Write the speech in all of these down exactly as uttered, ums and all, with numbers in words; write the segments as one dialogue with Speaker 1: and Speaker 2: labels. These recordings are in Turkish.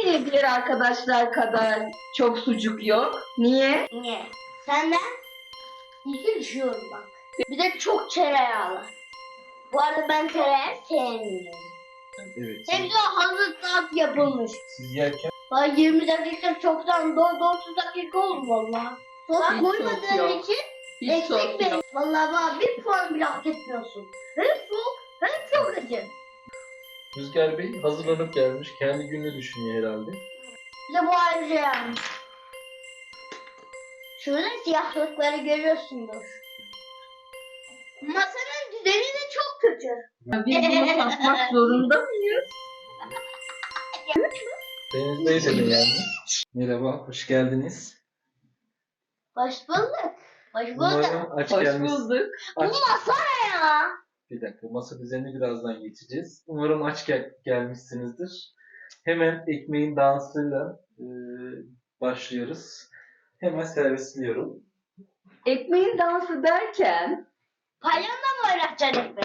Speaker 1: niye diğer arkadaşlar kadar çok sucuk yok? Niye?
Speaker 2: Niye? Senden iki düşüyorum bak. Bir de çok tereyağlı. Bu arada ben tereyağı sevmiyorum.
Speaker 3: Evet.
Speaker 2: Hepsi hazır tat yapılmış.
Speaker 3: Siz yerken
Speaker 2: Bak yirmi dakika çoktan doğru otuz dakika oldu valla. Sos
Speaker 1: Hiç sos
Speaker 2: koymadığın
Speaker 1: yok.
Speaker 2: için
Speaker 1: Hiç
Speaker 2: eksik
Speaker 1: sos
Speaker 2: benim.
Speaker 1: yok.
Speaker 2: Valla bana bir puan bile hak etmiyorsun. Hem soğuk hem çok acı.
Speaker 3: Rüzgar Bey hazırlanıp gelmiş. Kendi gününü düşünüyor herhalde.
Speaker 2: Bir de bu ayrıca yani. Şurada siyahlıkları görüyorsundur. Masanın düzeni de çok kötü.
Speaker 1: Biz bunu satmak zorunda mıyız?
Speaker 3: Deniz Bey de mi yani? Merhaba, hoş geldiniz.
Speaker 2: Hoş bulduk. Hoş bulduk.
Speaker 3: Umarım aç
Speaker 1: Hoş
Speaker 3: gelmiş.
Speaker 1: bulduk.
Speaker 2: Bu
Speaker 3: Aç...
Speaker 2: masa ne ya?
Speaker 3: Bir dakika, masa düzenini birazdan geçeceğiz. Umarım aç gel gelmişsinizdir. Hemen ekmeğin dansıyla e, başlıyoruz. Hemen servisliyorum.
Speaker 1: Ekmeğin dansı derken
Speaker 2: Palyonla mı oynatacaksın ekmek?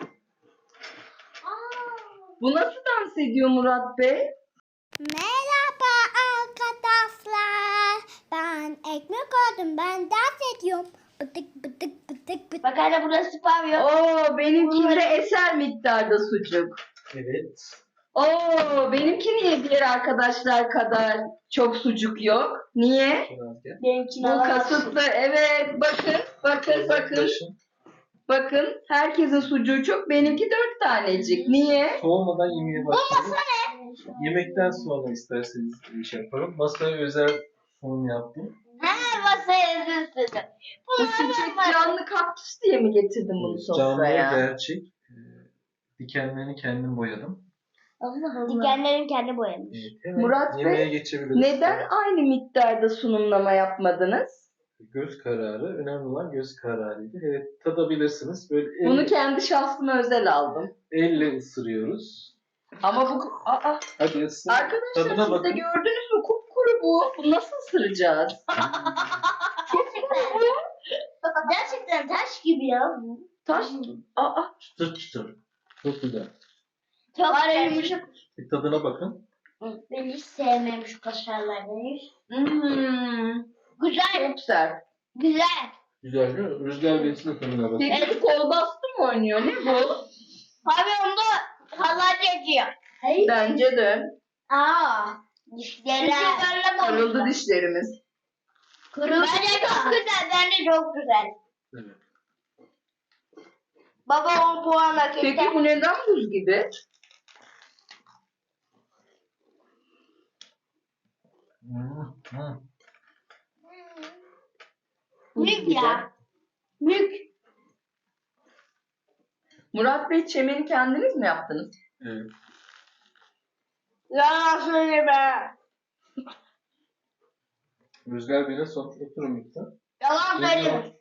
Speaker 1: bu nasıl dans ediyor Murat Bey?
Speaker 4: Merhaba arkadaşlar. Ben ekmek aldım. Ben dans ediyorum. Bıdık bıdık bıdık bıdık.
Speaker 2: Bak hala burası pavyon.
Speaker 1: Oo, benimkinde eser miktarda sucuk.
Speaker 3: Evet.
Speaker 1: Oo, benimki niye diğer arkadaşlar kadar çok sucuk yok? Niye?
Speaker 3: Biraz gel.
Speaker 2: Benimkini
Speaker 1: Bu
Speaker 2: alamazsın.
Speaker 1: kasıtlı. Evet, bakın, bakın, bakın.
Speaker 3: Uzaklaşın.
Speaker 1: Bakın, herkesin sucuğu çok, benimki dört tanecik. Niye?
Speaker 3: Soğumadan yemeğe başlayalım. Yemekten sonra isterseniz bir şey yapalım. Masaya özel sunum yaptım.
Speaker 2: He masaya üzülsün.
Speaker 1: Bu çiçek canlı kaktüs diye mi getirdin bunu
Speaker 3: Canlı
Speaker 1: sofraya?
Speaker 3: gerçek. Ee, Dikenlerini kendim boyadım.
Speaker 2: Allah Allah. Dikenlerin kendi boyamış.
Speaker 3: Evet, hemen
Speaker 1: Murat Bey,
Speaker 3: yemeğe geçebiliriz.
Speaker 1: Neden aynı miktarda sunumlama yapmadınız?
Speaker 3: Göz kararı. Önemli olan göz kararıydı. Evet, tadabilirsiniz. Böyle el,
Speaker 1: Bunu kendi şahsıma özel aldım.
Speaker 3: elle ısırıyoruz.
Speaker 1: Ama bu... Aa,
Speaker 3: Hadi ısır.
Speaker 1: arkadaşlar
Speaker 3: Tadına
Speaker 1: siz de
Speaker 3: bakın.
Speaker 1: gördünüz mü? Kupkuru bu. Bunu nasıl ısıracağız?
Speaker 2: Gerçekten. Gerçekten taş gibi ya bu.
Speaker 1: Taş. Aa,
Speaker 3: Çıtır çıtır. Çok güzel.
Speaker 2: Çok var ya yumuşak.
Speaker 3: Bir tadına bakın.
Speaker 2: Ben hiç sevmem şu kaşarlardan hiç.
Speaker 1: hmm,
Speaker 2: Güzel.
Speaker 1: çok sert.
Speaker 2: Güzel.
Speaker 3: Güzel değil mi? Rüzgar Bey'sin de tadına bakın.
Speaker 1: Peki bu kol bastı mı oynuyor? Ne bu?
Speaker 2: Abi onda halat ediyor. Hayır.
Speaker 1: Bence de.
Speaker 2: Aa. Dişleri.
Speaker 1: Kırıldı dişlerimiz.
Speaker 2: Kırıldı. Bence çok güzel. Bence çok güzel.
Speaker 3: Evet.
Speaker 2: Baba on puan hak etti.
Speaker 1: Peki bu neden buz gibi?
Speaker 3: Hmm, hmm.
Speaker 2: Mük ya. Mük.
Speaker 1: Murat Bey, çemeni kendiniz mi yaptınız?
Speaker 3: Evet.
Speaker 2: Yalan söyleme.
Speaker 3: Rüzgar Bey'e son. Oturun lütfen.
Speaker 2: Yalan söyleme.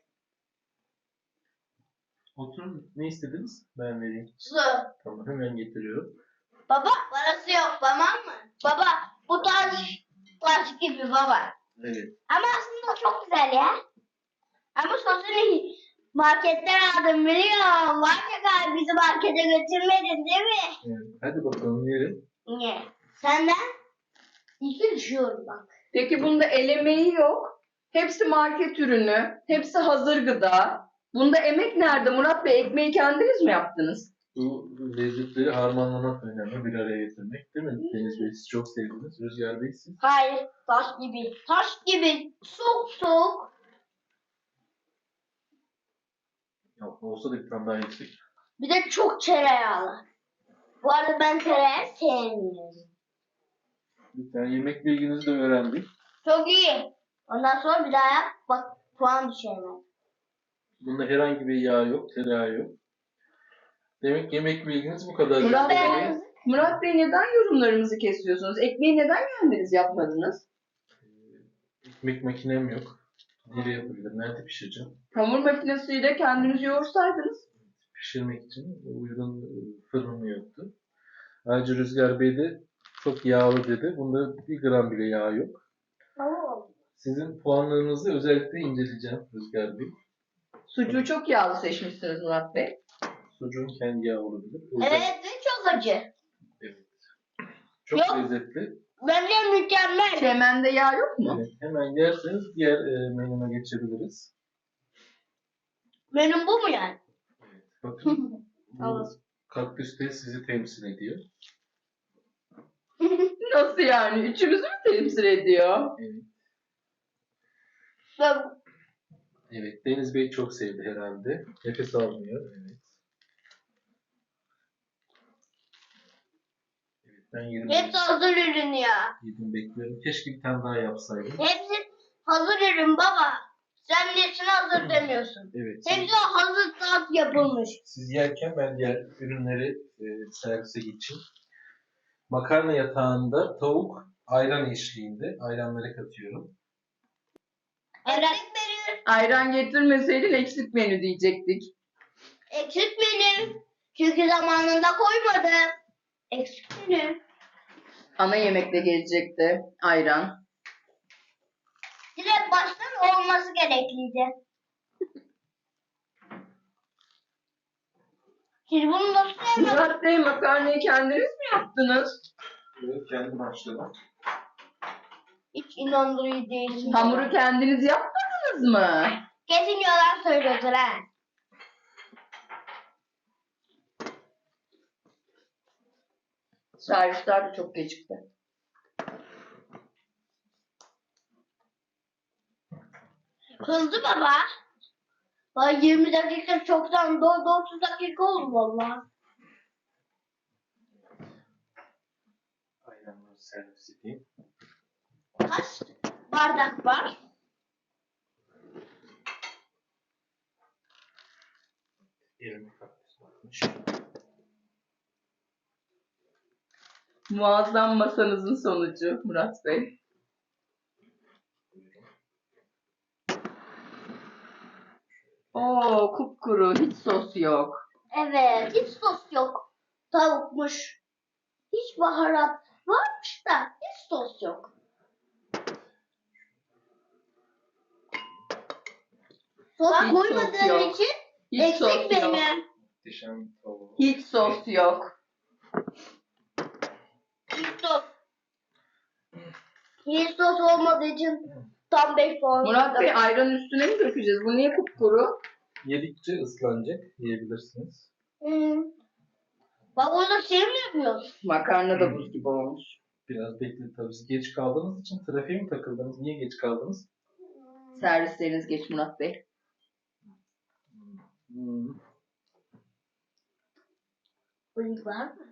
Speaker 3: Oturun. Ne istediniz? Ben vereyim.
Speaker 2: Su.
Speaker 3: Tamam, hemen getiriyorum.
Speaker 2: Baba parası yok tamam mı? Baba bu taş taş gibi baba.
Speaker 3: Evet.
Speaker 2: Ama aslında çok güzel ya. Ama sosunu marketten aldım biliyorum. Var ya galiba bizi markete götürmedin değil mi?
Speaker 3: Evet. Hadi bakalım yiyelim.
Speaker 2: Niye? Senden iki düşüyorum bak.
Speaker 1: Peki bunda el emeği yok. Hepsi market ürünü. Hepsi hazır gıda. Bunda emek nerede Murat Bey? Ekmeği kendiniz mi yaptınız?
Speaker 3: Bu lezzetleri harmanlamak önemli. Bir araya getirmek değil mi? Deniz Bey siz çok sevdiniz. Rüzgar Bey siz.
Speaker 2: Hayır taş gibi. Taş gibi. Soğuk soğuk.
Speaker 3: Yok, olsa da bir tane daha yüksek.
Speaker 2: Bir de çok tereyağlı. Bu arada ben tereyağı sevmiyorum.
Speaker 3: Lütfen yemek bilginizi de öğrendik.
Speaker 2: Çok iyi. Ondan sonra bir daha yap. Bak puan düşürmez.
Speaker 3: Bunda herhangi bir yağ yok, tereyağı yok. Demek yemek bilginiz bu kadar.
Speaker 1: Murat
Speaker 3: Rüzgar
Speaker 1: Bey,
Speaker 3: Bey.
Speaker 1: Murat Bey neden yorumlarımızı kesiyorsunuz? Ekmeği neden kendiniz yapmadınız?
Speaker 3: Ekmek makinem yok. Nereye yapabilirim? Nerede pişireceğim?
Speaker 1: Hamur makinesiyle kendiniz yoğursaydınız.
Speaker 3: Pişirmek için uygun fırınım yoktu. Ayrıca Rüzgar Bey de çok yağlı dedi. Bunda bir gram bile yağ yok.
Speaker 2: Tamam.
Speaker 3: Sizin puanlarınızı özellikle inceleyeceğim Rüzgar Bey.
Speaker 1: Sucuğu çok yağlı seçmişsiniz Murat Bey.
Speaker 3: Sucuğun kendi yağı olabilir. Özel-
Speaker 2: Evet ve çok acı.
Speaker 3: Evet. Çok
Speaker 2: Yok.
Speaker 3: lezzetli.
Speaker 2: Bence mükemmel.
Speaker 1: Çemende yağ yok mu?
Speaker 3: Evet, hemen yerseniz diğer e, menüme geçebiliriz.
Speaker 2: Benim bu mu yani?
Speaker 3: Bakın bu
Speaker 2: Tamam.
Speaker 3: kaktüs de sizi temsil ediyor.
Speaker 1: Nasıl yani? Üçümüzü mü temsil ediyor?
Speaker 3: Evet.
Speaker 2: Ben-
Speaker 3: Evet, Deniz Bey çok sevdi herhalde. Nefes almıyor. Evet. Evet, ben yedim.
Speaker 2: Hepsi hazır ürün ya.
Speaker 3: Yedim bekliyorum. Keşke bir tane daha yapsaydım.
Speaker 2: Hepsi hazır ürün baba. Sen nesine hazır demiyorsun.
Speaker 3: Evet. Siz,
Speaker 2: Hepsi hazır tat yapılmış.
Speaker 3: siz yerken ben diğer ürünleri e, servise geçeyim. Makarna yatağında tavuk ayran eşliğinde ayranları katıyorum.
Speaker 2: Eksik menü.
Speaker 1: Ayran getirmeseydin eksik menü diyecektik.
Speaker 2: Eksik menü. Çünkü zamanında koymadım. Eksik menü.
Speaker 1: Ana yemekte gelecekti ayran.
Speaker 2: Direkt baştan olması gerekliydi. Siz bunu nasıl sevmediniz?
Speaker 1: Murat Bey makarnayı kendiniz mi yaptınız?
Speaker 3: Evet, kendi başladım.
Speaker 2: Hiç inandırıcı değilsin.
Speaker 1: Hamuru kendiniz yapmadınız mı?
Speaker 2: Kesin yalan söylüyorsun ha.
Speaker 1: Servisler de çok gecikti.
Speaker 2: Hızlı baba. Vay yirmi dakika çoktan doldu otuz dakika oldu valla.
Speaker 3: Ayranları servis edeyim.
Speaker 2: Kaç bardak var?
Speaker 3: Elimi kaktüs bakmış.
Speaker 1: Muazzam masanızın sonucu Murat Bey. Oo kupkuru, hiç sos yok.
Speaker 2: Evet, hiç sos yok. Tavukmuş. Hiç baharat varmış da hiç sos yok. Sos
Speaker 1: Hiç sos
Speaker 2: koymadığın
Speaker 1: yok.
Speaker 2: için
Speaker 1: Hiç sos
Speaker 2: eksik
Speaker 1: yok.
Speaker 2: menü.
Speaker 3: Muhteşem tavuğu.
Speaker 1: Hiç sos yok.
Speaker 2: Hiç sos. Hiç sos olmadığı için tam beş puan.
Speaker 1: Murat Bey ayran üstüne mi dökeceğiz? Bu niye kupkuru?
Speaker 3: Yedikçe ıslanacak. Yiyebilirsiniz.
Speaker 2: Hmm. Bak onu şey mi yapıyorsun?
Speaker 1: Makarna da buz gibi olmuş.
Speaker 3: Biraz bekleyin tabii. Siz geç kaldığınız için trafiğe mi takıldınız? Niye geç kaldınız?
Speaker 1: Servisleriniz geç Murat Bey.
Speaker 3: Hmm.
Speaker 2: Bıyık var mı?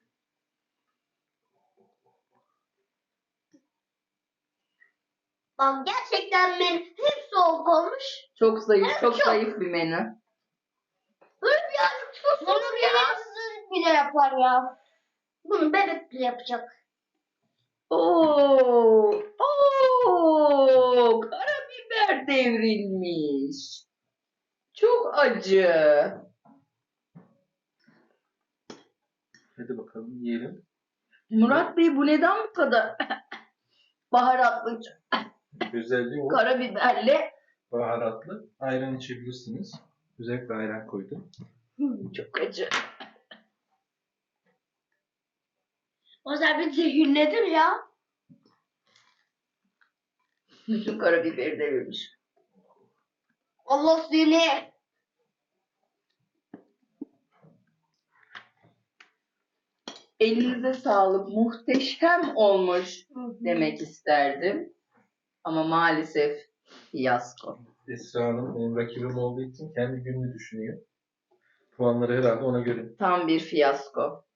Speaker 2: Bak gerçekten benim hep soğuk olmuş.
Speaker 1: Çok zayıf,
Speaker 2: Evet,
Speaker 1: çok
Speaker 2: çok.
Speaker 1: zayıf bir menü.
Speaker 2: Böyle birazcık sos olur ya. Bile yapar ya. Bunu bebek bile yapacak.
Speaker 1: Oo, oo, karabiber devrilmiş. Çok acı.
Speaker 3: Hadi bakalım yiyelim.
Speaker 1: Murat Bey bu neden bu kadar baharatlı,
Speaker 3: Özelliği o.
Speaker 1: karabiberli?
Speaker 3: Baharatlı. Ayran içebilirsiniz. Özellikle ayran koydum.
Speaker 1: Hmm, çok acı.
Speaker 2: O zaman bir zehirledim ya.
Speaker 1: Bütün karabiberi devirmiş.
Speaker 2: Allah seni.
Speaker 1: Elinize sağlık, muhteşem olmuş demek isterdim. Ama maalesef fiyasko.
Speaker 3: Esra Hanım benim rakibim olduğu için kendi gününü düşünüyor. Puanları herhalde ona göre.
Speaker 1: Tam bir fiyasko.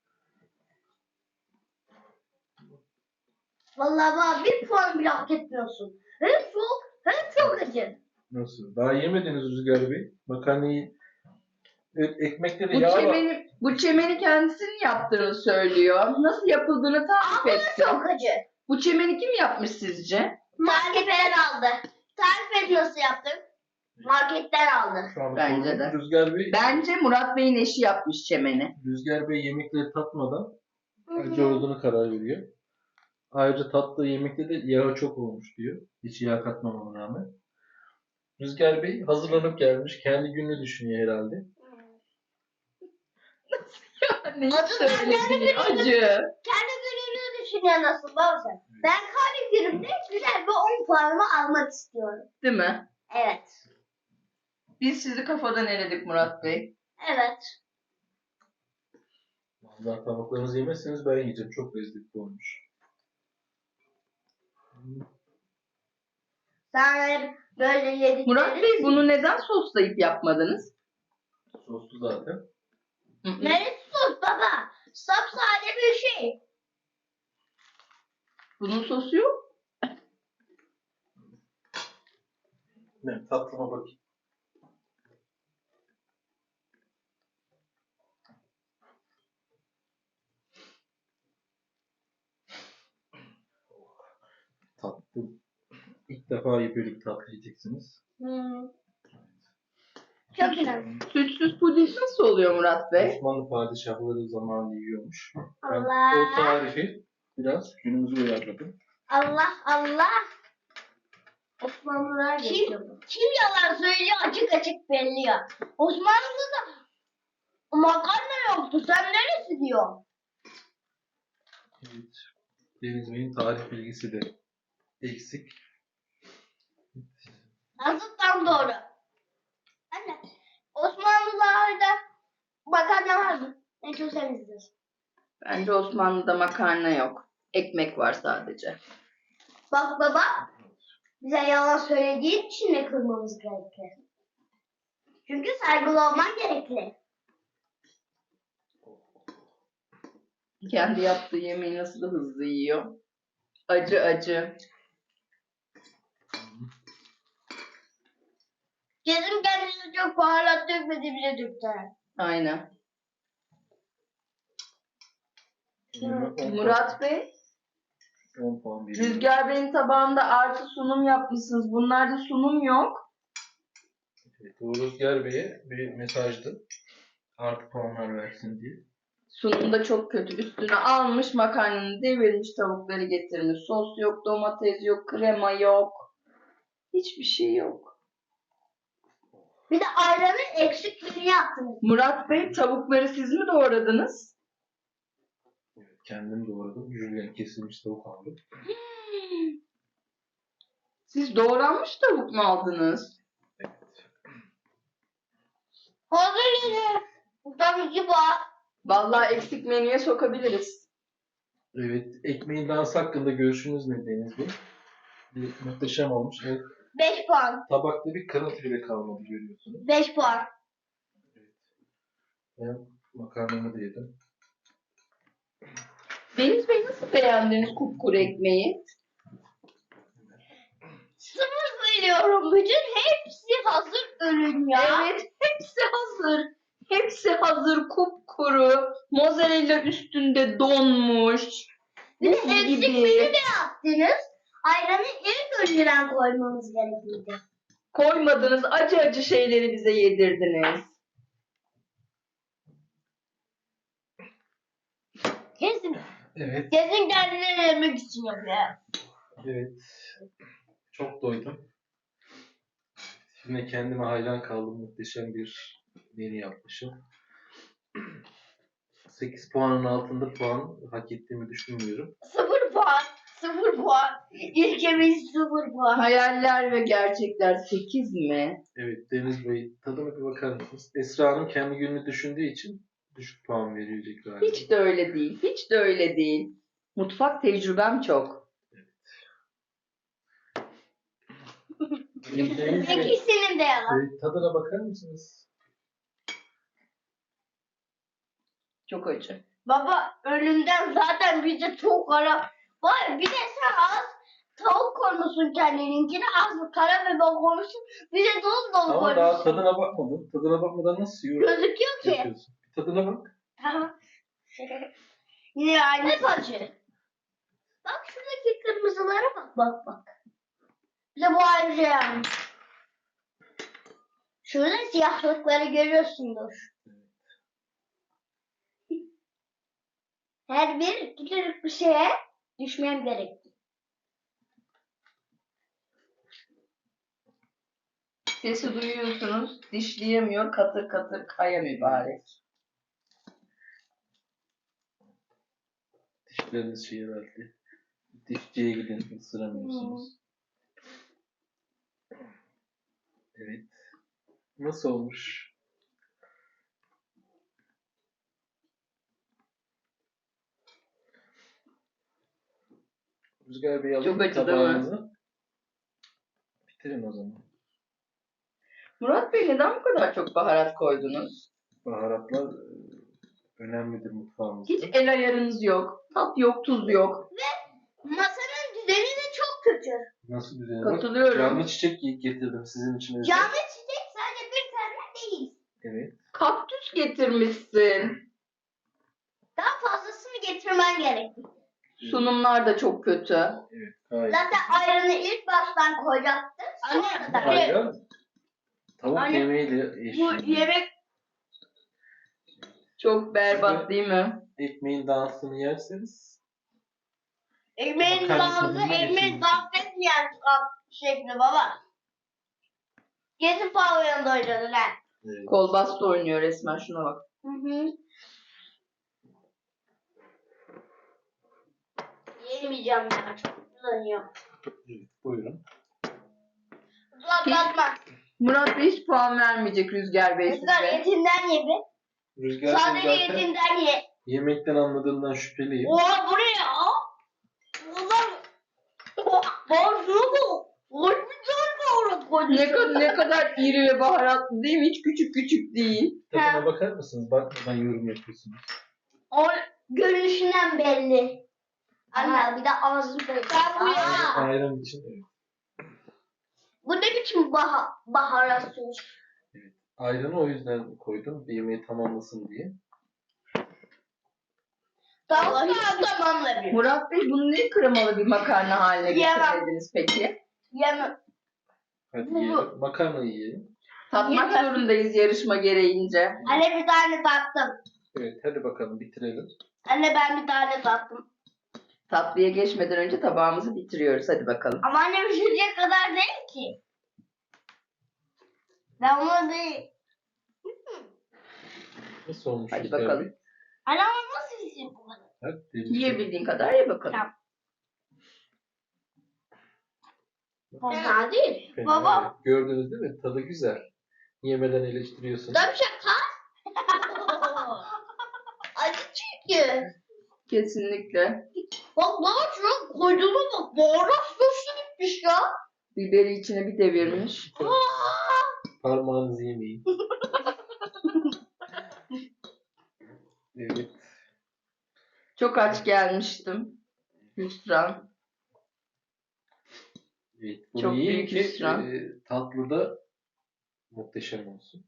Speaker 2: Vallahi bana bir puan bile hak etmiyorsun. Hem soğuk hem çok acı.
Speaker 3: Nasıl? Daha yemediniz Rüzgar Bey. Makarnayı evet, ekmekte de
Speaker 1: Bu
Speaker 3: yağ var.
Speaker 1: çemeni, bu çemeni kendisinin yaptığını söylüyor. Nasıl yapıldığını tarif
Speaker 2: Ama
Speaker 1: etsin.
Speaker 2: çok acı.
Speaker 1: Bu çemeni kim yapmış sizce?
Speaker 2: Marketten aldı. Tarif et nasıl yaptın? Marketten aldı.
Speaker 3: Şu an
Speaker 1: Bence
Speaker 3: sordum.
Speaker 1: de.
Speaker 3: Rüzgar Bey,
Speaker 1: Bence Murat Bey'in eşi yapmış çemeni.
Speaker 3: Rüzgar Bey yemekleri tatmadan acı olduğunu karar veriyor. Ayrıca tattığı yemekte de yağı çok olmuş diyor. Hiç yağ katmamama rağmen. Rüzgar Bey hazırlanıp gelmiş. Kendi gününü düşünüyor herhalde.
Speaker 1: Ne
Speaker 2: Acı
Speaker 1: söyledi? Acı.
Speaker 2: Kendi gününü düşünüyorsun nasıl baba sen? Ben kahve günümde güzel bir on puanımı almak istiyorum.
Speaker 1: Değil mi?
Speaker 2: Evet.
Speaker 1: Biz sizi kafadan eledik Murat Bey.
Speaker 2: Evet.
Speaker 3: Vallahi tabaklarınızı yemezseniz ben yiyeceğim. Çok lezzetli olmuş.
Speaker 2: Sen böyle yedikleri...
Speaker 1: Murat Bey bunu neden soslayıp yapmadınız?
Speaker 3: Soslu zaten.
Speaker 1: Hı hı.
Speaker 2: Neresi sos baba? Sapsade bir şey.
Speaker 1: Bunun sosu yok.
Speaker 3: Ne? Tatlıma bakayım. Tatlı. İlk defa böyle bir tatlı yiyeceksiniz.
Speaker 2: Hmm. Çok güzel.
Speaker 1: Sütsüz puding nasıl oluyor Murat Bey?
Speaker 3: Osmanlı padişahları zamanında yiyormuş. Ben
Speaker 2: Allah.
Speaker 3: o tarifi biraz günümüze uyarladım.
Speaker 2: Allah Allah. Osmanlılar kim, kim yalan söylüyor açık açık belli ya. Osmanlı'da makarna yoktu. Sen neresi diyor?
Speaker 3: Evet. Deniz Bey'in tarih bilgisi de eksik.
Speaker 2: Nasıl tam doğru? Anne. Osmanlılarda makarna var mı? Ne çok sevmişsiniz.
Speaker 1: Bence Osmanlı'da makarna yok. Ekmek var sadece.
Speaker 2: Bak baba. Bize yalan söylediğin için de kırmamız gerekli. Çünkü saygılı olman gerekli.
Speaker 1: Kendi yaptığı yemeği nasıl da hızlı yiyor. Acı acı.
Speaker 2: Kesin kendisi çok baharat dökmedi bile döktü.
Speaker 1: Aynen.
Speaker 3: Yeme on
Speaker 1: Murat Bey,
Speaker 3: puan, on puan veriyorum.
Speaker 1: Rüzgar Bey'in tabağında artı sunum yapmışsınız. Bunlarda sunum yok.
Speaker 3: Evet, o Rüzgar Bey'e bir mesajdı. Artı puanlar versin diye.
Speaker 1: Sunum da çok kötü. Üstüne almış makarnanı devirmiş, tavukları getirmiş. Sos yok, domates yok, krema yok. Hiçbir şey yok.
Speaker 2: Bir de ayranı eksik bir yaptınız.
Speaker 1: Murat Bey, tavukları siz mi doğradınız?
Speaker 3: Evet, kendim doğradım. Jülyen kesilmiş tavuk aldım.
Speaker 1: Siz doğranmış tavuk mu aldınız?
Speaker 3: Evet.
Speaker 2: Hazır yine. Tabii ki var.
Speaker 1: Vallahi eksik menüye sokabiliriz.
Speaker 3: Evet, ekmeğin dansı hakkında görüşünüz ne Deniz Bey? Bir muhteşem olmuş. Evet,
Speaker 2: beş puan.
Speaker 3: tabakta bir kırıntı bile kalmadı görüyorsunuz.
Speaker 2: beş puan.
Speaker 3: Ben makarnamı da yedim.
Speaker 1: Deniz Bey, nasıl beğendiniz kupkuru ekmeği?
Speaker 2: Sıfır veriyorum. Bütün hepsi hazır ürün ya.
Speaker 1: Evet, hepsi hazır. Hepsi hazır, kupkuru. Mozzarella üstünde donmuş.
Speaker 2: Bir de
Speaker 1: Buz
Speaker 2: eksik
Speaker 1: gibi.
Speaker 2: menü de yaptınız. Ayranı ilk önceden koymamız gerekliydi.
Speaker 1: Koymadınız, acı acı şeyleri bize yedirdiniz.
Speaker 2: Kesin.
Speaker 3: Evet,
Speaker 2: Kesin kendileri yemek için yapıyor.
Speaker 3: evet. Çok doydum. Şimdi kendime hayran kaldım. Muhteşem bir menü yapmışım. sekiz puanın altında puan hak ettiğimi düşünmüyorum.
Speaker 2: Sıfır puan. Sıfır puan. İlk yemeği sıfır puan.
Speaker 1: Hayaller ve gerçekler sekiz mi?
Speaker 3: Evet, Deniz Bey tadına bir bakar mısınız? Esra Hanım kendi gününü düşündüğü için düşük puan verecek galiba.
Speaker 1: Hiç de öyle değil. Hiç de öyle değil. Mutfak tecrübem çok.
Speaker 3: Deniz Bey,
Speaker 2: İkisinin de yalan.
Speaker 3: e, tadına bakar mısınız?
Speaker 1: Çok acı.
Speaker 2: Baba önünden zaten bize çok kara. Var bir de sen az tavuk koymuşsun kendininkine az kara biber koymuşsun. Bir de dolu dolu
Speaker 3: Ama daha
Speaker 2: koymuşsun.
Speaker 3: tadına bakmadım. Tadına bakmadan nasıl yorum
Speaker 2: Gözüküyor ki.
Speaker 3: yapıyorsun? Bir tadına bak.
Speaker 2: Tamam. Yine aynı acı. Bak şuradaki kırmızılara bak bak bak. Bir de bu ayrıca yani. Şurada siyahlıkları görüyorsundur. Her bir küçücük bir şeye düşmem gerekti.
Speaker 1: Sesi duyuyorsunuz. Dişleyemiyor. Katır katır kaya mübarek.
Speaker 3: Dişleriniz şey herhalde. Dişçiye gidin, ısıramıyorsunuz. Evet. Nasıl olmuş? Rüzgar Bey alayım
Speaker 1: Çok acı değil mi?
Speaker 3: tabağınızı. Bitirin o zaman.
Speaker 1: Murat Bey neden bu kadar çok baharat koydunuz?
Speaker 3: Baharatlar e, önemlidir mutfağımızda.
Speaker 1: Hiç el ayarınız yok. Tat yok, tuz yok.
Speaker 2: Masanın düzeni de çok kötü.
Speaker 3: Nasıl düzeni var?
Speaker 1: Katılıyorum.
Speaker 3: Canlı çiçek getirdim sizin için özel.
Speaker 2: Canlı çiçek sadece bir tane değil.
Speaker 3: Evet.
Speaker 1: Kaktüs getirmişsin.
Speaker 2: Daha fazlasını getirmen gerek.
Speaker 1: Sunumlar da çok kötü.
Speaker 3: Evet. Gayet.
Speaker 2: Zaten ayranı ilk baştan koyacaktın. Sonra da.
Speaker 3: Ayran tavuk
Speaker 2: Anne,
Speaker 3: yemeğiyle
Speaker 2: Bu
Speaker 3: eşliğinde.
Speaker 2: yemek
Speaker 1: Çok berbat değil mi?
Speaker 3: Ekmeğin dansını yerseniz
Speaker 2: ekmeğin
Speaker 3: Makarna
Speaker 2: dansı,
Speaker 3: tadına
Speaker 2: ekmeğin
Speaker 3: geçiyorsun.
Speaker 2: dans etmeyen şekli baba. Kesin pavyonda oynadın ha.
Speaker 3: e,
Speaker 1: Kolbasta oynuyor resmen, şuna bak.
Speaker 2: Hı hı. Yemeyeceğim ya. Çok kullanıyor.
Speaker 3: evet, buyurun.
Speaker 2: Uzatma.
Speaker 1: Murat Bey hiç puan vermeyecek Rüzgar Bey
Speaker 2: Rüzgar
Speaker 1: size.
Speaker 2: etinden ye be.
Speaker 3: Rüzgar Bey
Speaker 2: Sadece
Speaker 3: zaten
Speaker 2: etinden ye.
Speaker 3: yemekten anladığından şüpheliyim.
Speaker 2: Oha bu ne ya? Ulan. Boğazını bu. Boş bir tane doğru
Speaker 1: Ne kadar, ne kadar iri ve baharatlı değil mi? Hiç küçük küçük değil.
Speaker 3: Tadına bakar mısınız? Bakmadan yorum yapıyorsunuz.
Speaker 2: O görünüşünden belli. Anne bir de ağzı belli. Ben bu ya.
Speaker 3: Ayran için evet.
Speaker 2: Bu ne biçim bah baharat sos?
Speaker 3: Ayranı o yüzden koydum. Yemeği tamamlasın diye.
Speaker 2: Tamam tamamla bir.
Speaker 1: Murat Bey bunu ne kremalı bir makarna haline
Speaker 2: Yemem.
Speaker 1: getirmediniz peki?
Speaker 2: Yemem.
Speaker 3: Hadi
Speaker 2: Bu-
Speaker 3: yiyelim. Makarna yiyelim.
Speaker 1: Tatmak
Speaker 2: Yemem.
Speaker 1: zorundayız yarışma gereğince.
Speaker 2: Anne bir tane tattım.
Speaker 3: Evet hadi bakalım bitirelim.
Speaker 2: Anne ben bir tane tattım.
Speaker 1: Tatlıya geçmeden önce tabağımızı bitiriyoruz. Hadi bakalım.
Speaker 2: Ama anne pişirecek kadar değil ki. Ben onu değil.
Speaker 3: Nasıl olmuş
Speaker 1: Hadi
Speaker 3: Rüzgar
Speaker 1: bakalım.
Speaker 3: Bey?
Speaker 2: Anne ama nasıl pişirecek bu kadar?
Speaker 3: Hadi deneyelim.
Speaker 1: Yiyebildiğin kadar ye bakalım.
Speaker 2: Tamam. Fena değil.
Speaker 3: Fena
Speaker 2: Baba.
Speaker 3: değil. Gördünüz değil mi? Tadı güzel. Yemeden eleştiriyorsunuz.
Speaker 2: Tabii şaka. Acı çünkü.
Speaker 1: Kesinlikle.
Speaker 2: Bak baba şuna koyduğuma bak. Baharat sosu gitmiş ya.
Speaker 1: Biberi içine bir devirmiş.
Speaker 3: Parmağınızı yemeyin. Evet.
Speaker 1: Çok aç gelmiştim. Hüsran.
Speaker 3: Evet. Bunu
Speaker 1: Çok
Speaker 3: yiyin
Speaker 1: büyük
Speaker 3: ki
Speaker 1: hüsran.
Speaker 3: e, tatlı da muhteşem olsun.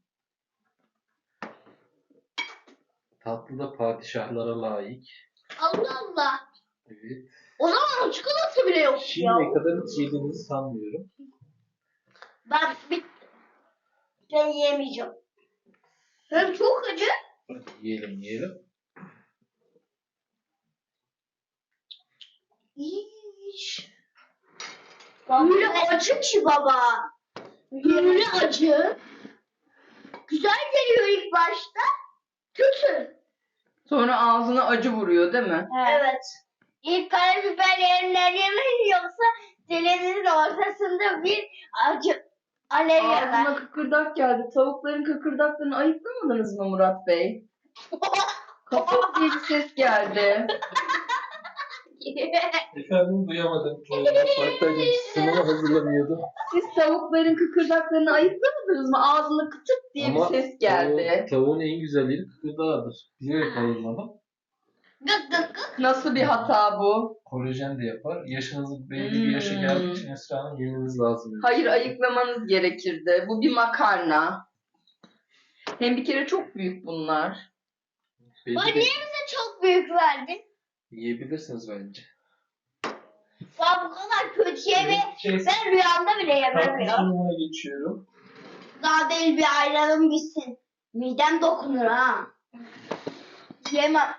Speaker 3: Tatlı da padişahlara layık.
Speaker 2: Allah Allah.
Speaker 3: Evet.
Speaker 2: O zaman o çikolata bile yok ya.
Speaker 3: Şimdiye kadar hiç yediğinizi sanmıyorum.
Speaker 2: Ben bir ben yemeyeceğim. Hem çok acı.
Speaker 3: Hadi yiyelim yiyelim.
Speaker 2: İyiş. Böyle acı ki baba. Böyle acı. Güzel geliyor ilk başta. Kötü.
Speaker 1: Sonra ağzına acı vuruyor değil mi?
Speaker 2: Evet. İlk karabiber yerinden yemeyin yoksa dilinizin ortasında bir acı alev
Speaker 1: Ağzına
Speaker 2: yanar.
Speaker 1: kıkırdak geldi. Tavukların kıkırdaklarını ayıklamadınız mı Murat Bey? Kapat diye bir ses geldi.
Speaker 3: Efendim duyamadım. Hatta sunuma hazırlanıyordum.
Speaker 1: Siz tavukların kıkırdaklarını ayıklamadınız mı? Ağzına kıtık diye
Speaker 3: Ama
Speaker 1: bir ses geldi.
Speaker 3: tavuğun- Tavuğun en güzel yeri kıkırdağıdır. Bilerek ayırmadım.
Speaker 2: Gık gık gık.
Speaker 1: Nasıl bir hata bu?
Speaker 3: Kolajen de yapar. Yaşınız belli bir yaşa
Speaker 1: Hmm.
Speaker 3: geldiği için Esra Hanım yemeniz lazım.
Speaker 1: Hayır, ayıklamanız gerekirdi. Bu bir makarna. Hem bir kere çok büyük bunlar.
Speaker 3: Belli
Speaker 2: Baba
Speaker 3: de-
Speaker 2: niye bize çok büyük verdin?
Speaker 3: Yiyebilirsiniz bence.
Speaker 2: Ya bu kadar kötü yeme.
Speaker 3: Şey,
Speaker 2: Ben rüyamda bile yemem
Speaker 3: tatlı
Speaker 2: ya.
Speaker 3: sunumuna geçiyorum.
Speaker 2: Daha değil bir ayranım bitsin. Midem dokunur ha. Yemem.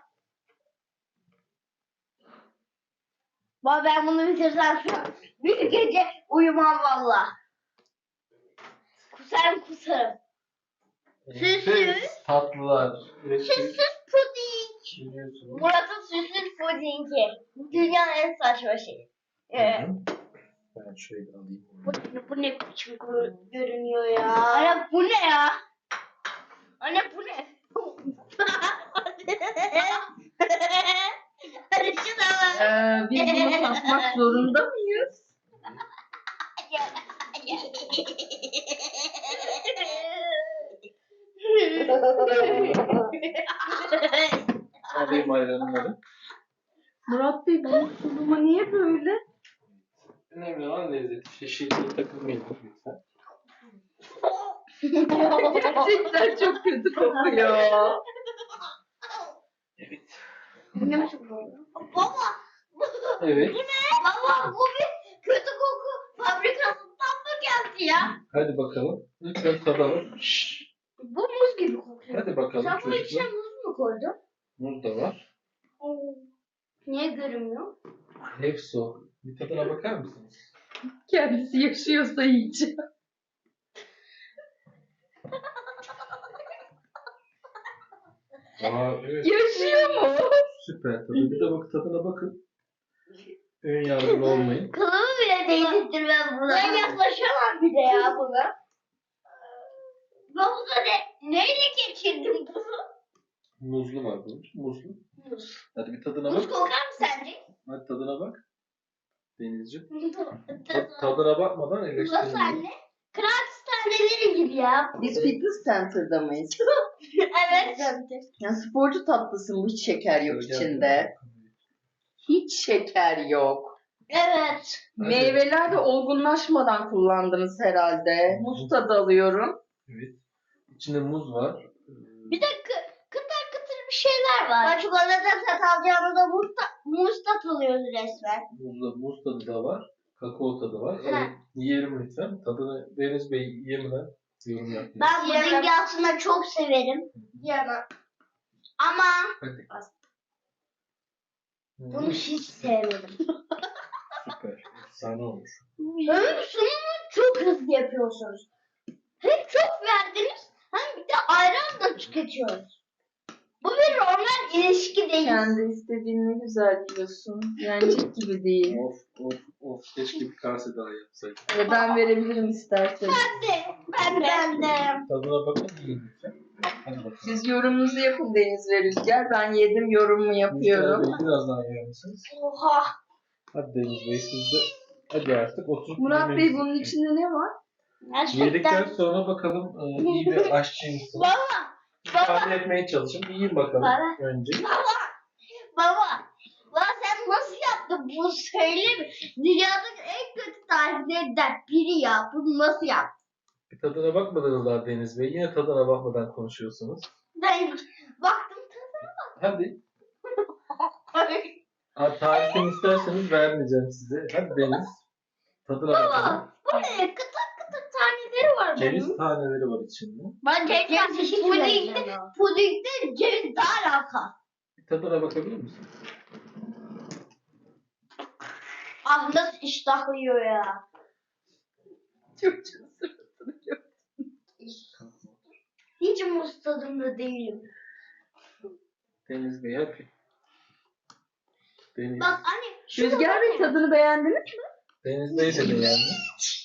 Speaker 2: Baba ben bunu bitirsem şu an bir gece uyumam valla. Kusarım kusarım. Süsü.
Speaker 3: Enfes tatlılar. Evet,
Speaker 2: Süsüz puding.
Speaker 3: Biliyorsunuz.
Speaker 2: Murat'ın süslü pudingi. Dünyanın en saçma şeyi. Ee,
Speaker 3: Ben şöyle alayım.
Speaker 2: bu, bu ne biçim gör- görünüyor ya? Anne bu ne ya? Anne bu ne? Hadi şuna bak.
Speaker 1: Ee, biz bunu tatmak zorunda mıyız?
Speaker 3: Alayım ayranları.
Speaker 1: Murat Bey bunun sunumu niye böyle?
Speaker 3: Önemli olan lezzet. İşte şekeri takılmayın lütfen.
Speaker 1: Gerçekten çok kötü kokuyor.
Speaker 3: Evet.
Speaker 2: Bu ne biçim bu? Baba.
Speaker 3: Evet.
Speaker 2: Bu ne? Baba bu bir kötü koku fabrikasından mı geldi ya?
Speaker 3: Hadi bakalım. Lütfen tadalım.
Speaker 2: Bu muz gibi kokuyor.
Speaker 3: Hadi bakalım
Speaker 2: Sen bunun içine
Speaker 3: çocuklar.
Speaker 2: muz mu koydun?
Speaker 3: Muz da var.
Speaker 2: Niye görünmüyor?
Speaker 3: Hepsi o. Bir tadına bakar mısınız?
Speaker 1: Kendisi yaşıyorsa yiyeceğim.
Speaker 3: Aa, evet.
Speaker 1: Yaşıyor mu?
Speaker 3: Süper tadı. Bir de bak tadına bakın. Ön yargılı olmayın.
Speaker 2: Kılımı bile değdirttirmem buna. Ben yaklaşamam bir de ya buna. Yoksa ne? Neyle geçirdin bunu?
Speaker 3: Muzlu var bunun. Muzlu.
Speaker 2: Muz.
Speaker 3: Hadi bir tadına
Speaker 2: Muz
Speaker 3: bak.
Speaker 2: kokar mı sence?
Speaker 3: Hadi tadına bak. Denizciğim. Ta-
Speaker 2: Nasıl
Speaker 3: tadına bakmadan eleştirin.
Speaker 2: anne? Krakс taneleri gibi ya.
Speaker 1: Biz fitness center'da mıyız?
Speaker 2: Evet.
Speaker 1: Ya sporcu tatlısın, bu hiç şeker yok
Speaker 3: Şöyle
Speaker 1: içinde.
Speaker 3: gel.
Speaker 1: Hiç şeker yok.
Speaker 2: Evet.
Speaker 3: Hadi.
Speaker 1: Meyveler de olgunlaşmadan kullandınız herhalde. Muz tadı alıyorum.
Speaker 3: Evet. İçinde muz var. Ee,
Speaker 2: Bir de kı- kıtır kıtır bir şeyler var. Ben çikolata tat alacağımda muz, ta- muz tat alıyoruz resmen.
Speaker 3: Muzda muz tadı da var. Kakao tadı var.
Speaker 2: Ha.
Speaker 3: Evet, yiyelim lütfen. Tadını Deniz Bey yemeden yorum yapmayın.
Speaker 2: Ben pudingi aslında çok severim. Yemem. Ama
Speaker 3: Hadi. Hmm,
Speaker 2: bunu hiç sevmedim.
Speaker 3: süper. Efsane olmuş.
Speaker 2: Hem sunumu çok hızlı yapıyorsunuz. Hem çok verdiniz hem bir de ayran da tüketiyoruz. Bu bir normal ilişki değil.
Speaker 1: Kendi istediğin ne güzel diyorsun. Yenecek gibi değil.
Speaker 3: Of of of. Keşke bir kase daha yapsaydık.
Speaker 1: Ee, Ben verebilirim isterseniz.
Speaker 2: Ben de. Ben de. Ben de.
Speaker 3: Tadına bakın yiyin lütfen. Hadi bakalım.
Speaker 1: Siz yorumunuzu yapın Deniz ve Rüzgar. Ben yedim, yorumumu
Speaker 3: Rüzgar
Speaker 1: yapıyorum.
Speaker 3: Bey biraz daha yer misiniz?
Speaker 2: Oha.
Speaker 3: Hadi Deniz Bey siz de. Hadi artık oturup
Speaker 1: Murat Bey
Speaker 3: yemeğinizi
Speaker 1: bunun
Speaker 3: yiyin.
Speaker 1: içinde ne var?
Speaker 3: Yedikten
Speaker 2: Gerçekten.
Speaker 3: sonra bakalım e, iyi bir aşçıymışsınız.
Speaker 2: Baba. Baba.
Speaker 3: Tahmin etmeye çalışın. Bir yiyin bakalım
Speaker 2: Baba.
Speaker 3: önce.
Speaker 2: Baba. Baba. Baba sen nasıl yaptın bunu söyle mi? Dünyanın en kötü tariflerinden biri ya. Bunu nasıl yaptın?
Speaker 3: Bir tadına bakmadınız daha Deniz Bey. Yine tadına bakmadan konuşuyorsunuz.
Speaker 2: Ben baktım.
Speaker 3: Hadi. Ha, tarifini isterseniz vermeyeceğim size. Hadi Deniz. Tadına bakalım.
Speaker 2: Baba. Bu ne? Kıtır kıtır taneleri var
Speaker 3: Ceviz
Speaker 2: bunun.
Speaker 3: taneleri var içinde.
Speaker 2: Ben ceviz pudingde, pudingde ceviz daha alaka.
Speaker 3: Bir tadına bakabilir misin?
Speaker 2: Ah nasıl iştahlıyor ya.
Speaker 1: Çok çok suratını gör.
Speaker 2: Hiç muz tadımda değilim.
Speaker 3: Deniz Bey hadi. Deniz.
Speaker 2: Bak anne. şurada
Speaker 1: Rüzgar
Speaker 2: var
Speaker 1: Bey
Speaker 2: ya.
Speaker 1: tadını beğendiniz mi?
Speaker 3: Deniz Bey de beğendi.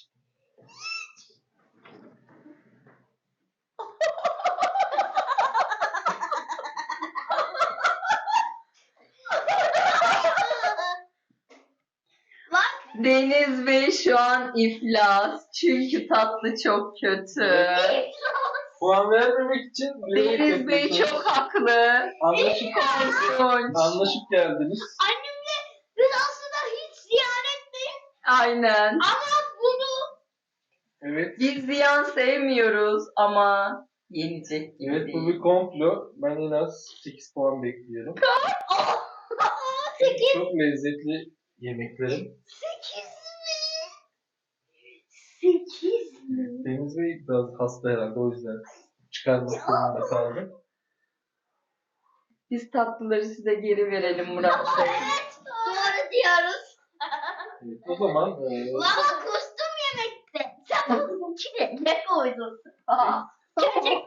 Speaker 2: Bak.
Speaker 1: Deniz Bey şu an iflas. Çünkü tatlı çok kötü.
Speaker 3: Puan vermemek için bilerek
Speaker 1: Deniz Bey
Speaker 3: yapıyorsunuz.
Speaker 1: çok haklı.
Speaker 3: Anlaşıp,
Speaker 1: Korkunç.
Speaker 3: anlaşıp geldiniz.
Speaker 2: Annemle biz aslında hiç ziyaretteyiz.
Speaker 1: Aynen.
Speaker 2: Ama bunu
Speaker 3: Evet.
Speaker 1: Biz ziyan sevmiyoruz ama yenecek gibi
Speaker 3: Evet bu
Speaker 1: değil.
Speaker 3: bir komplo. Ben en az sekiz puan bekliyorum.
Speaker 2: sekiz.
Speaker 3: Çok lezzetli yemeklerim.
Speaker 2: Sekiz mi? Sekiz mi?
Speaker 3: Deniz Bey biraz hasta herhalde o yüzden çıkarmak zorunda kaldım.
Speaker 1: Biz tatlıları size geri verelim Murat Bey.
Speaker 2: Evet. Doğru diyoruz.
Speaker 3: Evet, o zaman e,
Speaker 2: Baba kustum yemekte. Sen bunun içine ne koydun? Aa, gerçekten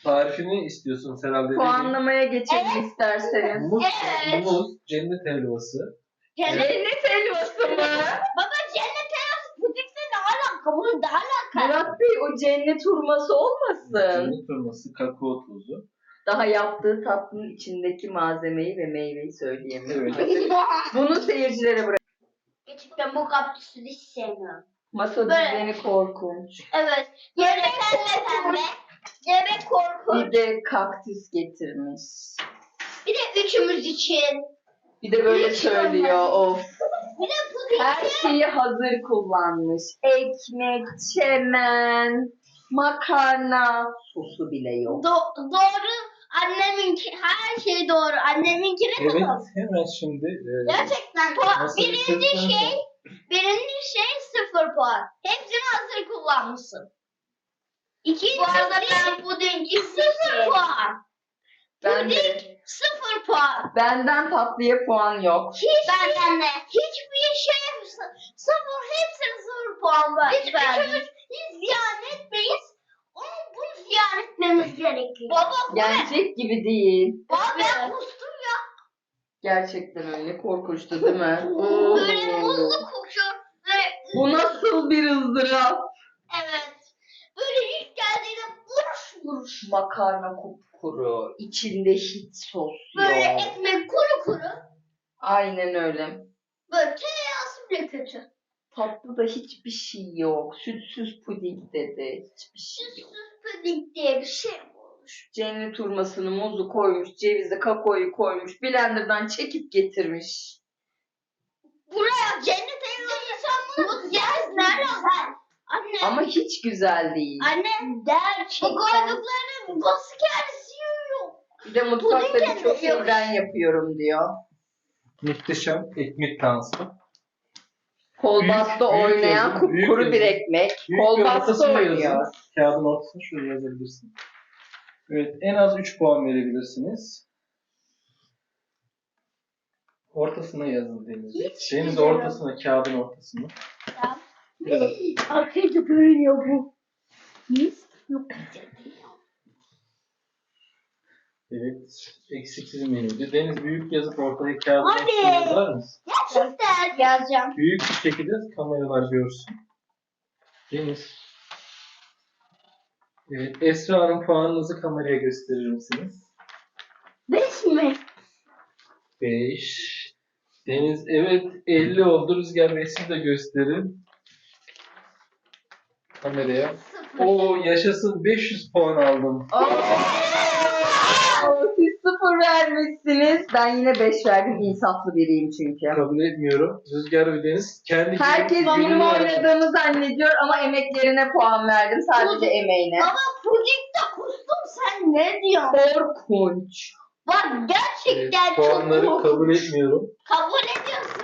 Speaker 3: Tarifini istiyorsunuz herhalde.
Speaker 1: Puanlamaya geçelim isterseniz.
Speaker 3: Muz,
Speaker 2: Evet.
Speaker 3: muz, cennet helvası.
Speaker 2: Cennet.
Speaker 1: Cennet helvası mı?
Speaker 2: Baba cennet helvası pudingle ne alaka? Bunun ne alaka?
Speaker 1: Murat Bey o cennet hurması olmasın.
Speaker 3: Cennet hurması, kakao tozu.
Speaker 1: Daha yaptığı tatlının içindeki malzemeyi ve meyveyi söyleyemiyorum.
Speaker 3: Evet.
Speaker 1: Bunu seyircilere bırak.
Speaker 2: Gerçekten bu kaktüsü hiç sevmiyorum.
Speaker 1: Masa
Speaker 2: Böyle.
Speaker 1: düzeni korkunç.
Speaker 2: Evet. Yemek pembe pembe. Yemek korkunç.
Speaker 1: Bir de kaktüs getirmiş.
Speaker 2: Bir de üçümüz için.
Speaker 1: Bir de böyle
Speaker 2: Hiç
Speaker 1: söylüyor
Speaker 2: olmaz.
Speaker 1: of.
Speaker 2: Bir de puding.
Speaker 1: Her şeyi hazır kullanmış. Ekmek, çemen, makarna, sosu bile yok.
Speaker 2: Do- doğru. Anneminki her şey doğru. Anneminkine de
Speaker 3: Evet,
Speaker 2: doğru.
Speaker 3: hemen şimdi e,
Speaker 2: Gerçekten puan.
Speaker 3: Nasıl
Speaker 2: Birinci
Speaker 3: bitirdikten
Speaker 2: şey,
Speaker 3: sonra-
Speaker 2: birinci şey sıfır puan. Hepsini hazır kullanmışsın. İkinci Bu arada ben pudingi sıfır puan.
Speaker 1: Ben de,
Speaker 2: Puding sıfır puan.
Speaker 1: benden tatlıya puan yok.
Speaker 2: Hiç benden de. Hiçbir şey sı- sıfır, hepsine sıfır puan var. Biz üçümüz hiç ziyan etmeyiz. Ama bunu ziyan etmemiz gerekiyor. Baba bu ne?
Speaker 1: Gerçek gibi değil.
Speaker 2: Baba ben kustum ya.
Speaker 1: Gerçekten öyle korkunçtu değil mi?
Speaker 2: Böyle muzlu kokuyor. Böyle
Speaker 1: Bu nasıl bir ızdırap?
Speaker 2: evet. Böyle ilk geldiğinde buruş buruş.
Speaker 1: Makarna kupkuru, içinde hiç sos
Speaker 2: Böyle
Speaker 1: yok.
Speaker 2: ekmek kuru kuru.
Speaker 1: Aynen öyle.
Speaker 2: Böyle tereyağısı bile kötü.
Speaker 1: Tatlıda hiçbir şey yok. Sütsüz puding dedi. Hiçbir şey yok.
Speaker 2: Sütsüz puding diye bir şey mi olmuş?
Speaker 1: Cennet hurmasını, muzu koymuş, cevizi, kakaoyu koymuş. Blender'dan çekip getirmiş.
Speaker 2: Buraya cennet evinde insan muz yersin nereden? Anne.
Speaker 1: Ama hiç güzel değil.
Speaker 2: Anne. Gerçekten. Bu koyduklarının basık yerisi yiyor.
Speaker 1: Bir de mutfakta
Speaker 2: Puding
Speaker 1: birçok
Speaker 2: kendi
Speaker 1: şey ben yapıyorum diyor.
Speaker 3: muhteşem ekmek dansı.
Speaker 1: Kolbasta
Speaker 3: Büyük- büyük
Speaker 1: oynayan
Speaker 3: yazın, büyük
Speaker 1: kupkuru
Speaker 3: yazın.
Speaker 1: bir ekmek.
Speaker 3: Büyük bir
Speaker 1: Kolbasta
Speaker 3: ortasına
Speaker 1: oynuyor.
Speaker 3: yazın. Kağıdın ortasına şöyle yazabilirsin. Evet, en az üç puan verebilirsiniz. Ortasına yazın Deniz.
Speaker 2: Hiç
Speaker 3: Deniz
Speaker 2: güzel.
Speaker 3: ortasına, kağıdın ortasına. Evet.
Speaker 2: Arkadaşlar görünüyor bu. Mis yok.
Speaker 3: Evet, eksiksiz menüydü. Deniz büyük yazıp ortaya kağıdın
Speaker 2: Hadi.
Speaker 3: ortasına yazar mısın?
Speaker 2: Gerçekten yazacağım.
Speaker 3: Büyük bir şekilde kameralar görsün. Deniz. Evet, Esra'nın puanınızı kameraya gösterir misiniz?
Speaker 2: Beş mi?
Speaker 3: beş. Deniz, evet elli oldu. Rüzgar Bey siz de gösterin. Kameraya.
Speaker 2: Sıfır.
Speaker 3: Oo yaşasın, beş yüz puan aldım.
Speaker 1: Oo, siz sıfır vermişsiniz. Ben yine beş verdim. İnsaflı biriyim çünkü.
Speaker 3: Kabul etmiyorum. Rüzgar ve Deniz kendi
Speaker 1: Herkes
Speaker 3: gününü
Speaker 1: benim
Speaker 3: yaptı.
Speaker 1: oynadığımı zannediyor ama emeklerine puan verdim. Sadece emeğine.
Speaker 2: Baba pudingde kustum sen ne diyorsun?
Speaker 1: Korkunç.
Speaker 2: Bak
Speaker 3: Evet,
Speaker 2: gerçekten çok
Speaker 3: puanları
Speaker 2: korkunç.
Speaker 3: kabul etmiyorum.
Speaker 2: Kabul ediyorsun.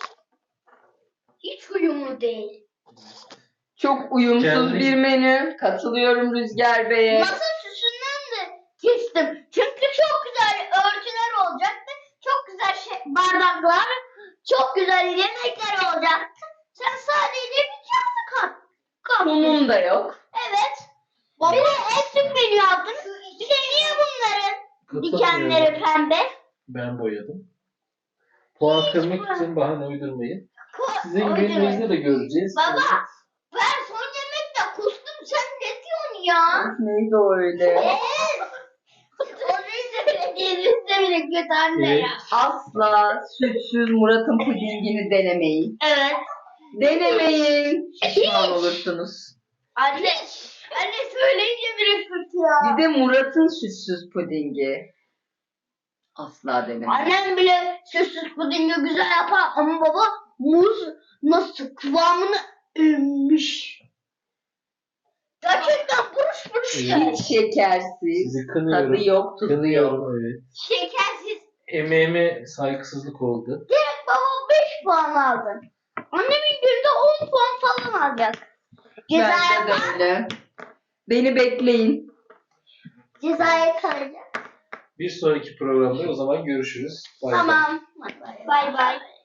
Speaker 2: Hiç uyumlu değil.
Speaker 1: Çok uyumsuz
Speaker 3: Kendi-
Speaker 1: bir menü. Katılıyorum Rüzgar Bey'e.
Speaker 2: Masa süsünden de kestim. Çünkü çok güzel örtüler olacaktı. Çok güzel şey, bardaklar, çok güzel yemekler olacaktı. Sen sadece bir kağıdı kat. kat.
Speaker 1: Sunum da yok.
Speaker 2: Evet. Bir de eksik menü yaptın. Bir de niye bunların
Speaker 3: Katılmıyorum.
Speaker 2: dikenleri pembe?
Speaker 3: Ben boyadım. Puan kırmak için bahane uydurmayın.
Speaker 2: Ko-
Speaker 3: Sizin
Speaker 2: Uydurma.
Speaker 3: gününüzde de göreceğiz.
Speaker 2: Baba ben son yemekte kustum sen ne diyorsun ya?
Speaker 1: Of, neydi o öyle?
Speaker 2: Evet. Onu söylediğinizde bile kötü anne
Speaker 3: Evet.
Speaker 2: ya.
Speaker 1: Asla sütsüz Murat'ın pudingini denemeyin.
Speaker 2: Evet.
Speaker 1: Denemeyin. Pişman olursunuz.
Speaker 2: Anne. Anne söyleyince bile kötü ya.
Speaker 1: Bir de Murat'ın sütsüz pudingi. Asla denemeyin.
Speaker 2: Annem bile süssüz pudingi güzel yapar ama baba muz nasıl kıvamını emmmiş. Gerçekten buruş buruş
Speaker 3: Evet.
Speaker 2: ya.
Speaker 1: Hiç şekersiz.
Speaker 3: Sizi kınıyorum.
Speaker 1: Tadı yok, tuzu yok.
Speaker 3: Kınıyorum, evet.
Speaker 2: Şekersiz.
Speaker 3: Emeğime saygısızlık oldu.
Speaker 2: Direkt baba beş puan aldın. Annemin günde on puan falan alacak. Cezaya,
Speaker 1: Bence de öyle. Beni bekleyin.
Speaker 2: cezaya kalacak.
Speaker 3: Bir sonraki programda o zaman görüşürüz. Bay bay.
Speaker 2: Tamam. Bay bay.